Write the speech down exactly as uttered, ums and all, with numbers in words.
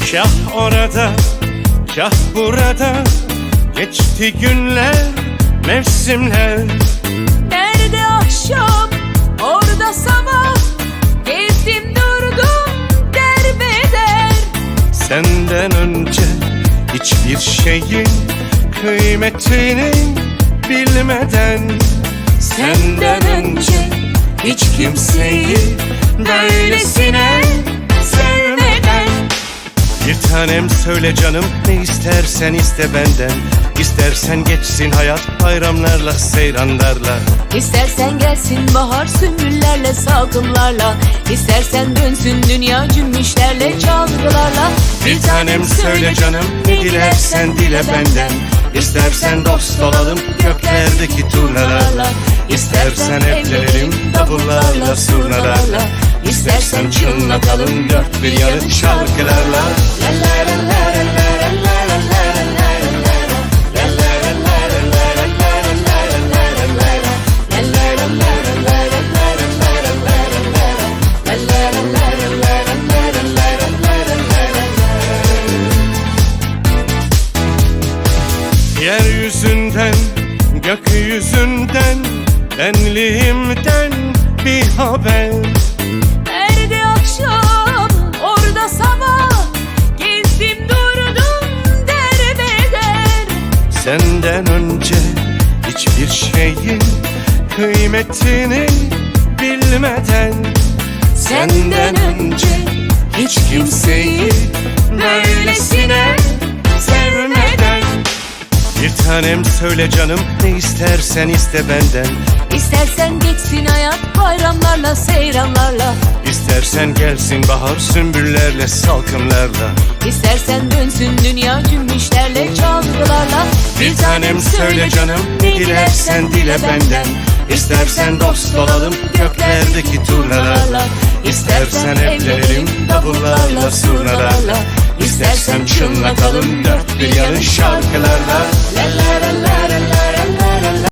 Kah orada, kah burada, geçti günler, mevsimler. Nerede akşam, orada sabah, gezdim durdum derbeder. Senden önce hiçbir şeyin kıymetini bilmeden, Senden önce hiç kimseyi böylesine sevmeden. Bir tanem söyle canım, ne istersen iste benden. İstersen geçsin hayat bayramlarla, seyranlarla. İstersen gelsin bahar sümbüllerle, salkımlarla. İstersen dönsün dünya cümbüşlerle, çalgılarla. Bir tanem söyle canım, ne dilersen dile benden. İstersen dost olalım göklerdeki turnalarla. İstersen evlenelim davullarla, surnalarla. İstersen çınlatalım dört bir yanı şarkılarla. Yeryüzünden, gökyüzünden, benliğimden bir haber. Nerede akşam, orada sabah, gezdim durdum derbeder. Senden önce hiçbir şeyin kıymetini bilmeden, Senden önce hiç kimseyi böylesine sevmeden. bir tanem söyle canım, ne istersen iste benden. İstersen geçsin hayat bayramlarla, seyranlarla. İstersen gelsin bahar sümbüllerle, salkımlarla. İstersen dönsün dünya cümbüşlerle, çalgılarla. Bir tanem söyle canım, ne dilersen dile benden. İstersen dost olalım göklerdeki turnalarla. İstersen evlenelim davullarla, surnalarla. İstersen çınlatalım dört bir yanı şarkılarla.